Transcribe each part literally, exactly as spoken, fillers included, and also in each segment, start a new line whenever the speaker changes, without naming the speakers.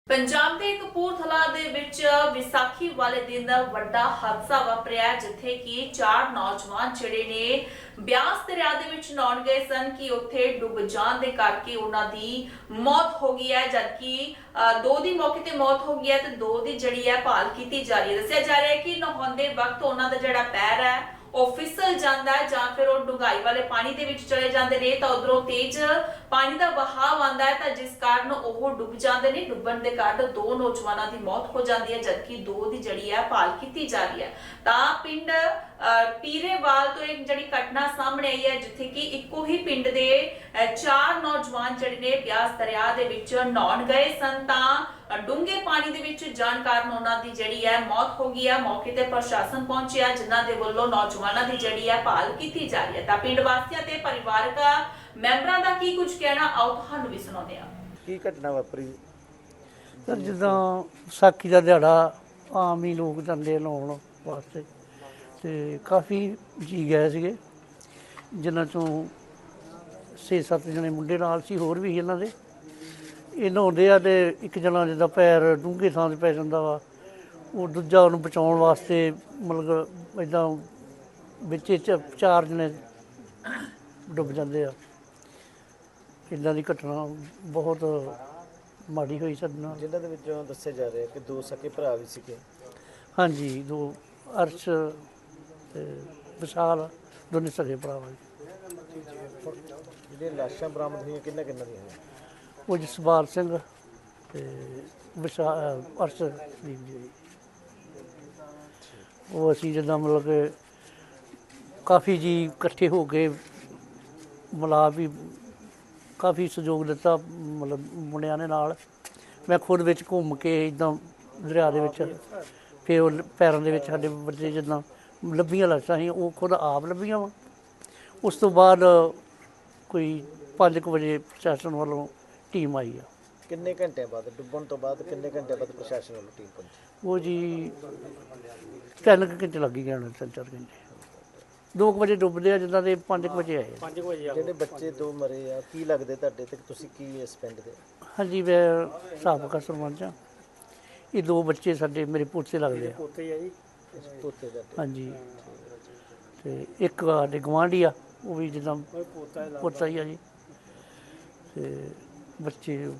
पंजाब के कपूरथला दे विच विसाखी वाले दिन वड्डा हादसा वापरिया जिथे कि चार नौजवान जिहड़े ने ब्यास दरिया दे विच नहाउण गए सन कि उत्थे डुब जाण दे करके उन्हां दी मौत हो गई है, जबकि दो दी मौके ते मौत हो गई है ते दो दी जिहड़ी है भाल कीती जा रही है। दस्सिया जा रहा है कि नहाउंदे वक्त उन्हां दा जिहड़ा पैर है ਉਹ ਫਿਸਲ ਜਾਂਦਾ ਹੈ ਜਾਂ ਫਿਰ ਉਹ ਡੁੰਗਾਈ ਵਾਲੇ ਪਾਣੀ ਦੇ ਵਿੱਚ ਚਲੇ ਜਾਂਦੇ ਨੇ ਤਾਂ ਉਧਰੋਂ ਤੇਜ਼ ਪਾਣੀ ਦਾ ਵਹਾਅ ਆਉਂਦਾ ਹੈ ਤਾਂ ਜਿਸ ਕਾਰਨ ਉਹ ਡੁੱਬ ਜਾਂਦੇ ਨੇ। ਡੁੱਬਣ ਦੇ ਕਾਰਨ ਦੋ ਨੌਜਵਾਨਾਂ ਦੀ ਮੌਤ ਹੋ ਜਾਂਦੀ ਹੈ, ਜਦਕਿ ਦੋ ਦੀ ਜਿਹੜੀ ਹੈ ਭਾਲ ਕੀਤੀ ਜਾ ਰਹੀ ਹੈ। ਤਾਂ ਪਿੰਡ ਪੀਰੇਵਾਲ ਤੋਂ ਇੱਕ ਜਿਹੜੀ ਘਟਨਾ ਸਾਹਮਣੇ ਆਈ ਹੈ ਜਿੱਥੇ ਕਿ ਇੱਕੋ ਹੀ ਪਿੰਡ ਦੇ ਚਾਰ ਨੌਜਵਾਨ ਜਿਹੜੇ ਨੇ ਬਿਆਸ ਦਰਿਆ ਦੇ ਵਿੱਚ ਨਹਾਉਣ ਗਏ ਸਨ ਤਾਂ ਡੂੰਘੇ ਪਾਣੀ ਦੇ ਵਿੱਚ ਜਾਣ ਕਾਰਨ ਉਹਨਾਂ ਦੀ ਜਿਹੜੀ ਹੈ ਮੌਤ ਹੋ ਗਈ ਹੈ। ਮੌਕੇ ਤੇ ਪ੍ਰਸ਼ਾਸਨ ਪਹੁੰਚਿਆ ਜਿਨ੍ਹਾਂ ਦੇ ਵੱਲੋਂ ਨੌਜਵਾਨਾਂ ਦੀ ਜਿਹੜੀ ਹੈ ਭਾਲ ਕੀਤੀ ਜਾ ਰਹੀ ਹੈ। ਤਾਂ ਪਿੰਡ ਵਾਸੀਆਂ ਤੇ ਪਰਿਵਾਰਕ ਮੈਂਬਰਾਂ ਦਾ ਕੀ ਕੁਝ ਕਹਿਣਾ ਆਓ ਤੁਹਾਨੂੰ ਵੀ ਸੁਣਾਉਂਦੇ ਹਾਂ।
ਕੀ ਘਟਨਾ ਵਾਪਰੀ
ਸਰ? ਜਿੱਦਾਂ ਵਿਸਾਖੀ ਦਾ ਦਿਹਾੜਾ ਆਮ ਹੀ ਲੋਕ ਜਾਂਦੇ ਨਹਾਉਣ ਵਾਸਤੇ ਤੇ ਕਾਫੀ ਜੀ ਗਏ ਸੀਗੇ, ਜਿਨ੍ਹਾਂ ਚੋਂ ਛੇ ਸੱਤ ਜਣੇ ਮੁੰਡੇ ਨਾਲ ਸੀ, ਹੋਰ ਵੀ ਇਹਨਾਂ ਦੇ। ਇਹ ਨਹਾਉਂਦੇ ਆ ਤੇ ਇੱਕ ਜਣਾ ਜਿੱਦਾਂ ਪੈਰ ਡੂੰਘੇ ਥਾਂ 'ਤੇ ਪੈ ਜਾਂਦਾ ਵਾ, ਉਹ ਦੂਜਾ ਉਹਨੂੰ ਬਚਾਉਣ ਵਾਸਤੇ ਮਤਲਬ ਇੱਦਾਂ ਵਿੱਚ ਚ ਚਾਰ ਜਣੇ ਡੁੱਬ ਜਾਂਦੇ ਆ। ਇੱਦਾਂ ਦੀ ਘਟਨਾ ਬਹੁਤ ਮਾੜੀ ਹੋਈ ਸਾਡੇ ਨਾਲ।
ਜਿਨ੍ਹਾਂ ਦੇ ਵਿੱਚੋਂ ਦੱਸਿਆ ਜਾ ਰਿਹਾ ਕਿ ਦੋ ਸਕੇ ਭਰਾ ਵੀ ਸੀਗੇ।
ਹਾਂਜੀ, ਦੋ ਅਰਸ਼ ਤੇ ਵਿਸ਼ਾਲ ਦੋਨੇ ਸਕੇ ਭਰਾ ਵਾ।
ਜਿਹੜੀਆਂ ਲਾਸ਼ਾਂ ਬਰਾਮਦ ਹੋਈਆਂ ਕਿੰਨਾ ਕਿੰਨਾ ਦੀਆਂ ਹੋਈਆਂ?
ਉਹ ਜਸਪਾਲ ਸਿੰਘ ਤੇ ਵਿਸ਼ਾਲ ਅਰਸ਼ਦੀਪ ਜੀ। ਉਹ ਅਸੀਂ ਜਿੱਦਾਂ ਮਤਲਬ ਕਿ ਕਾਫੀ ਜੀ ਇਕੱਠੇ ਹੋ ਕੇ ਮਿਲਾ ਵੀ ਕਾਫੀ ਸਹਿਯੋਗ ਦਿੱਤਾ ਮਤਲਬ ਮੁੰਡਿਆਂ ਦੇ ਨਾਲ। ਮੈਂ ਖੁਦ ਵਿੱਚ ਘੁੰਮ ਕੇ ਇੱਦਾਂ ਦਰਿਆ ਦੇ ਵਿੱਚ ਫਿਰ ਉਹ ਪੈਰਾਂ ਦੇ ਵਿੱਚ ਸਾਡੇ ਬੱਚੇ ਜਿੱਦਾਂ ਲੱਭੀਆਂ ਲਾਸ਼ਾਂ ਸੀ ਉਹ ਖੁਦ ਆਪ ਲੱਭੀਆਂ ਵਾ। ਉਸ ਤੋਂ ਬਾਅਦ ਕੋਈ ਪੰਜ ਕੁ ਵਜੇ ਪ੍ਰਸ਼ਾਸਨ ਵੱਲੋਂ ਟੀਮ ਆਈ ਆ।
ਕਿੰਨੇ ਘੰਟਿਆਂ ਬਾਅਦ ਡੁੱਬਣ ਤੋਂ ਬਾਅਦ ਕਿੰਨੇ ਘੰਟਿਆਂ ਬਾਅਦ ਪ੍ਰਸ਼ਾਸਨ ਵੱਲੋਂ ਟੀਮ ਪਹੁੰਚੀ? ਉਹ
ਜੀ ਤਿੰਨ ਕੁ ਘੰਟੇ ਲੱਗ ਹੀ ਜਾਣੇ, ਤਿੰਨ ਚਾਰ ਘੰਟੇ। ਦੋ ਕੁ ਵਜੇ ਡੁੱਬਦੇ ਆ ਜਿੱਦਾਂ ਦੇ ਪੰਜ ਕੁ ਵਜੇ ਆਏ। ਪੰਜ ਕੁ ਵਜੇ
ਜਿਹੜੇ ਬੱਚੇ ਦੋ ਮਰੇ ਆ ਕੀ ਲੱਗਦੇ ਤੁਹਾਡੇ ਤੇ? ਤੁਸੀਂ ਕੀ ਇਸ ਪਿੰਡ ਦੇ?
ਹਾਂਜੀ, ਮੈਂ ਸਾਬਕਾ ਸਰਪੰਚ ਹਾਂ। ਇਹ ਦੋ ਬੱਚੇ ਸਾਡੇ ਮੇਰੇ ਪੋਤੇ ਲੱਗਦੇ ਆ।
ਪੋਤੇ ਆ ਜੀ? ਪੋਤੇ ਦਾ?
ਹਾਂਜੀ, ਤੇ ਇੱਕ ਸਾਡੇ ਗੁਆਂਢੀ ਆ, ਉਹ ਵੀ ਜਿੱਦਾਂ ਪੋਤਾ ਹੀ ਆ ਜੀ। ਤੇ ਬੱਚੇ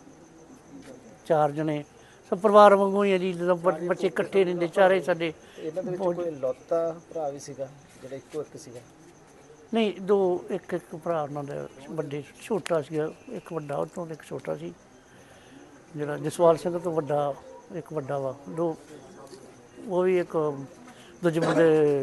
ਚਾਰ ਜਣੇ ਸਭ ਪਰਿਵਾਰ ਵਾਂਗੂ ਹੀ ਆ ਜੀ, ਜਿੱਦਾਂ ਬੱਚੇ ਇਕੱਠੇ ਰਹਿੰਦੇ ਚਾਰੇ ਸਾਡੇ।
ਇਹਨਾਂ ਦੇ ਵਿੱਚ ਕੋਈ ਲੌਤਾ ਭਰਾ ਵੀ ਸੀਗਾ ਜਿਹੜਾ ਇੱਕੋ ਇੱਕ ਸੀਗਾ?
ਨਹੀਂ, ਦੋ ਇੱਕ ਇੱਕ ਭਰਾ ਉਹਨਾਂ ਦਾ ਵੱਡੇ, ਛੋਟਾ ਸੀਗਾ ਇੱਕ ਵੱਡਾ, ਉਹ ਤੋਂ ਇੱਕ ਛੋਟਾ ਸੀ। ਜਿਹੜਾ ਜਸਵਾਲ ਸਿੰਘ ਤੋਂ ਵੱਡਾ ਇੱਕ ਵੱਡਾ ਵਾ। ਦੋ ਉਹ ਵੀ ਇੱਕ ਦੂਜੇ ਮੁੰਡੇ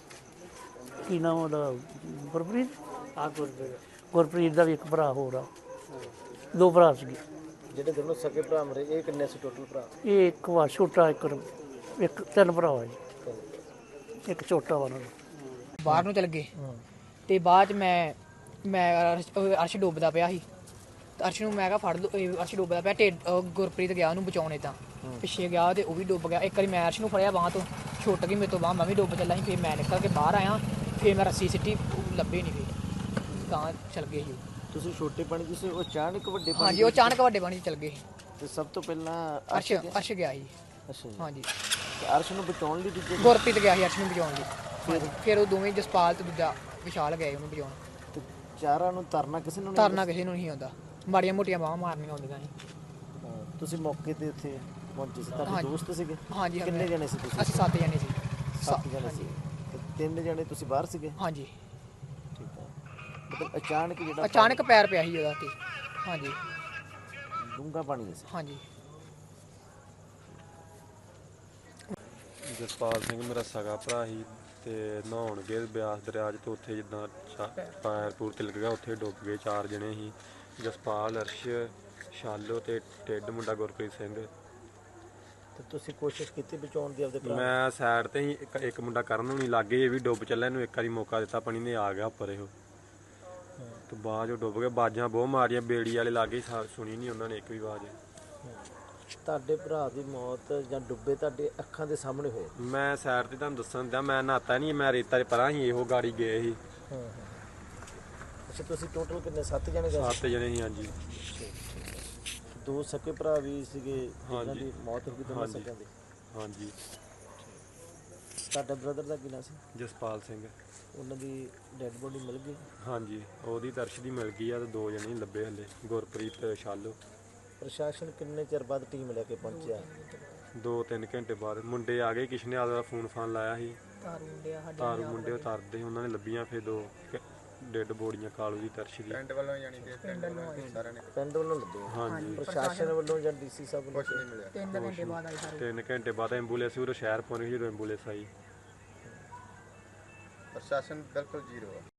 ਕੀ ਨਾਮ ਉਹਦਾ, ਗੁਰਪ੍ਰੀਤ। ਹਾਂ, ਗੁਰਪ੍ਰੀਤ ਗੁਰਪ੍ਰੀਤ ਦਾ ਵੀ ਇੱਕ ਭਰਾ ਹੋਰ ਆ। ਦੋ ਭਰਾ ਸੀਗੇ।
ਜਿਹੜੇ ਦੋਨੋਂ ਸਕੇ ਭਰਾ ਮਰੇ ਇਹ ਕਿੰਨੇ ਸੀ ਟੋਟਲ ਭਰਾ?
ਇਹ ਇੱਕ ਵਾ ਛੋਟਾ, ਇੱਕ ਇੱਕ ਤਿੰਨ ਭਰਾ ਵਾ ਜੀ, ਇੱਕ ਛੋਟਾ ਵਾ ਉਹਨਾਂ ਦਾ।
ਬਾਹਰ ਨੂੰ ਚਲ ਗਏ ਤੇ ਬਾਅਦ 'ਚ ਮੈਂ ਮੈਂ ਅਰਸ਼ ਡੁੱਬਦਾ ਪਿਆ ਸੀ ਤੇ ਅਰਸ਼ ਨੂੰ ਮੈਂ ਕਿਹਾ ਫੜ ਲਓ, ਅਰਸ਼ ਡੁੱਬਦਾ ਪਿਆ। ਢਿੱਡ ਗੁਰਪ੍ਰੀਤ ਗਿਆ ਉਹਨੂੰ ਬਚਾਉਣੇ, ਤਾਂ ਪਿੱਛੇ ਗਿਆ ਤੇ ਉਹ ਵੀ ਡੁੱਬ ਗਿਆ। ਇੱਕ ਵਾਰੀ ਮੈਂ ਅਰਸ਼ ਨੂੰ ਫੜਿਆ ਬਾਂਹ ਤੋਂ, ਛੁੱਟ ਗਈ ਮੇਰੇ ਤੋਂ ਬਾਂਹ, ਮੈਂ ਵੀ ਡੁੱਬ ਚੱਲਾ ਸੀ। ਫਿਰ ਮੈਂ ਨਿਕਲ ਕੇ ਬਾਹਰ ਆਇਆ, ਫਿਰ ਮੈਂ ਰੱਸੀ ਸਿੱਟੀ, ਲੱਭੇ ਨਹੀਂ, ਫਿਰ ਤਾਂ ਚਲ ਗਏ ਸੀ।
ਤੁਸੀਂ ਛੋਟੇ ਪਾਣੀ ਤੁਸੀਂ ਉਹ ਅਚਾਨਕ ਵੱਡੇ ਪਾਣੀ?
ਹਾਂਜੀ, ਉਹ ਅਚਾਨਕ ਵੱਡੇ ਪਾਣੀ 'ਚ ਚਲ ਗਏ।
ਤੇ ਸਭ ਤੋਂ ਪਹਿਲਾਂ
ਅਰਸ਼ ਅਰਸ਼ ਗਿਆ ਸੀ।
ਅੱਛਾ ਜੀ।
ਹਾਂਜੀ,
ਤੇ ਅਰਸ਼ ਨੂੰ ਬਚਾਉਣ ਲਈ ਦੂਜੇ
ਗੁਰਪ੍ਰੀਤ ਗਿਆ ਸੀ ਅਰਸ਼ ਨੂੰ ਬਚਾਉਣ ਲਈ। ਫਿਰ ਫਿਰ ਉਹ ਦੋਵੇਂ ਜਸਪਾਲ ਤੇ ਦੂਜਾ ਵਿਸ਼ਾਲ ਗਏ ਉਹਨੂੰ ਬਚਾਉਣ।
ਤੇ ਚਾਰਾਂ ਨੂੰ ਤਰਨਾ ਕਿਸੇ ਨੂੰ ਨਹੀਂ?
ਤਰਨਾ ਕਿਸੇ ਨੂੰ ਨਹੀਂ ਆਉਂਦਾ, ਮਾੜੀਆਂ ਮੋਟੀਆਂ ਬਾਹਾਂ ਮਾਰਨੀਆਂ ਆਉਂਦੀਆਂ ਸੀ।
ਹਾਂ, ਤੁਸੀਂ ਮੌਕੇ ਤੇ ਉੱਥੇ ਪਹੁੰਚੇ ਸੀ, ਤੁਹਾਡੇ
ਹਾਂਜੀ।
ਦੋਸਤ ਸੀਗੇ?
ਹਾਂਜੀ,
ਕਿੰਨੇ ਜਣੇ ਸੀ ਤੁਸੀਂ?
ਅਸੀਂ ਸੱਤ ਜਣੇ ਸੀ।
ਸੱਤ ਜਣੇ ਸੀ। ਤੇ ਤਿੰਨ ਜਣੇ ਤੁਸੀਂ ਬਾਹਰ ਸੀਗੇ?
ਹਾਂਜੀ,
ਠੀਕ ਹੈ। ਮਤਲਬ ਅਚਾਨਕ ਜਿਹੜਾ
ਅਚਾਨਕ ਪੈਰ ਪਿਆ ਸੀ ਉਹਦਾ ਤੇ। ਹਾਂਜੀ
ਡੂੰਘਾ ਪਾਣੀ ਸੀ?
ਹਾਂਜੀ।
ਜਸਪਾਲ ਸਿੰਘ ਮੇਰਾ ਸਗਾ ਭਰਾ ਸੀ ਤੇ ਨਹਾਉਣ ਗਏ ਬਿਆਸ ਦਰਿਆ 'ਚ ਤੇ ਉੱਥੇ ਜਿੱਦਾਂ ਪੈਰ ਪੂਰ ਤਿਲਕ ਗਿਆ, ਉੱਥੇ ਡੁੱਬ ਗਏ। ਚਾਰ ਜਣੇ ਸੀ, ਜਸਪਾਲ, ਅਰਸ਼, ਸ਼ਾਲੋ ਤੇ ਢਿੱਡ ਮੁੰਡਾ ਗੁਰਪ੍ਰੀਤ ਸਿੰਘ।
ਤੇ ਤੁਸੀਂ ਕੋਸ਼ਿਸ਼ ਕੀਤੀ ਬਚਾਉਣ ਦੀ ਆਪਦੇ ਭਰਾ?
ਮੈਂ ਸਾਈਡ ਤੇ ਹੀ, ਇੱਕ ਇੱਕ ਮੁੰਡਾ ਕਰਨ ਨੂੰ ਨਹੀਂ ਲੱਗੇ, ਇਹ ਵੀ ਡੁੱਬ ਚੱਲਿਆ, ਇਹਨੂੰ ਇੱਕ ਵਾਰੀ ਮੌਕਾ ਦਿੱਤਾ, ਪਾਣੀ ਨੇ ਆ ਗਿਆ ਉੱਪਰ ਇਹੋ ਤੇ ਬਾਅਦ ਉਹ ਡੁੱਬ ਗਏ। ਬਾਜਾਂ ਬਹੁਤ ਮਾਰੀਆਂ, ਬੇੜੀ ਵਾਲੇ ਲਾਗੇ ਸੁਣੀ ਨਹੀਂ ਉਹਨਾਂ ਨੇ ਇੱਕ ਵੀ ਆਵਾਜ਼।
ਤੁਹਾਡੇ ਭਰਾ ਦੀ ਮੌਤ ਜਾਂ ਡੁੱਬੇ ਤੁਹਾਡੇ ਅੱਖਾਂ ਦੇ ਸਾਹਮਣੇ ਹੋਏ?
ਮੈਂ ਸਾਈਡ ਤੇ ਤੁਹਾਨੂੰ ਦੱਸਣ ਦਿਆਂ, ਮੈਂ ਨਹਾਤਾ ਨਹੀਂ, ਮੈਂ ਰੇਤਾ 'ਚ ਪਰਾਂ ਸੀ, ਇਹੋ ਗਾੜੀ ਗਏ ਸੀ।
ਹਾਂ ਹਾਂ। ਅੱਛਾ, ਤੁਸੀਂ ਟੋਟਲ ਕਿੰਨੇ? ਸੱਤ ਜਣੇ ਗਏ?
ਸੱਤ ਜਣੇ ਸੀ। ਹਾਂਜੀ।
ਦੋ ਸਕੇ ਭਰਾ ਵੀ ਸੀਗੇ ਜਿਨ੍ਹਾਂ
ਹਾਂਜੀ।
ਦੀ ਮੌਤ ਹੋ ਗਈ ਦੋਨਾਂ
ਹਾਂਜੀ।
ਸਕਿਆਂ ਦੀ।
ਹਾਂਜੀ,
ਤੁਹਾਡੇ ਬ੍ਰਦਰ ਦਾ ਕੀ ਨਾਂ ਸੀ?
ਜਸਪਾਲ ਸਿੰਘ।
ਉਹਨਾਂ ਦੀ ਡੈੱਡ ਬੋਡੀ ਮਿਲ ਗਈ?
ਹਾਂਜੀ, ਉਹਦੀ ਦਰਸ਼ ਦੀ ਮਿਲ ਗਈ ਆ ਤੇ ਦੋ ਜਣੇ ਹੀ ਲੱਭੇ ਹਲੇ, ਗੁਰਪ੍ਰੀਤ ਤੇ ਸ਼ਾਲੋ।
ਪ੍ਰਸ਼ਾਸਨ ਕਿੰਨੇ ਚਿਰ ਬਾਅਦ ਟੀਮ ਲੈ ਕੇ ਪਹੁੰਚਿਆ?
ਦੋ ਤਿੰਨ ਘੰਟੇ ਬਾਅਦ ਮੁੰਡੇ ਆ ਗਏ, ਕਿਸੇ ਨੇ ਆਦਾ ਫੋਨ ਫਾਨ ਲਾਇਆ ਸੀ,
ਤਾਰੂ ਮੁੰਡਿਆ ਸਾਡੇ
ਤਾਰੂ ਮੁੰਡੇ ਉਤਾਰਦੇ ਉਹਨਾਂ ਨੇ ਲੱਭੀਆਂ, ਫਿਰ ਦੋ ਡੈਡ ਬੋਡੀਆਂ ਕਾਲੂ ਦੀ ਦਰਸ਼ ਦੀ।
ਪਿੰਡ ਵੱਲੋਂ ਆਏ
ਪਿੰਡ ਵੱਲੋਂ ਲੱਗੇ?
ਹਾਂਜੀ,
ਪ੍ਰਸ਼ਾਸਨ ਵੱਲੋਂ ਜਾਂ ਡੀਸੀ ਸਾਹਿਬ ਵੱਲੋਂ? ਕੁਛ ਨਹੀਂ ਮਿਲਿਆ।
ਤਿੰਨ ਘੰਟੇ ਬਾਅਦ ਆਏ ਸਾਰੇ।
ਤਿੰਨ ਘੰਟੇ ਬਾਅਦ ਐਂਬੂਲੈਂਸ ਉਰੇ ਸ਼ਹਿਰ ਪਹੁੰਚ ਗਈ ਜਦੋਂ ਐਂਬੂਲੈਂਸ ਆਈ।
ਪ੍ਰਸ਼ਾਸਨ ਬਿਲਕੁਲ ਜ਼ੀਰੋ ਆ।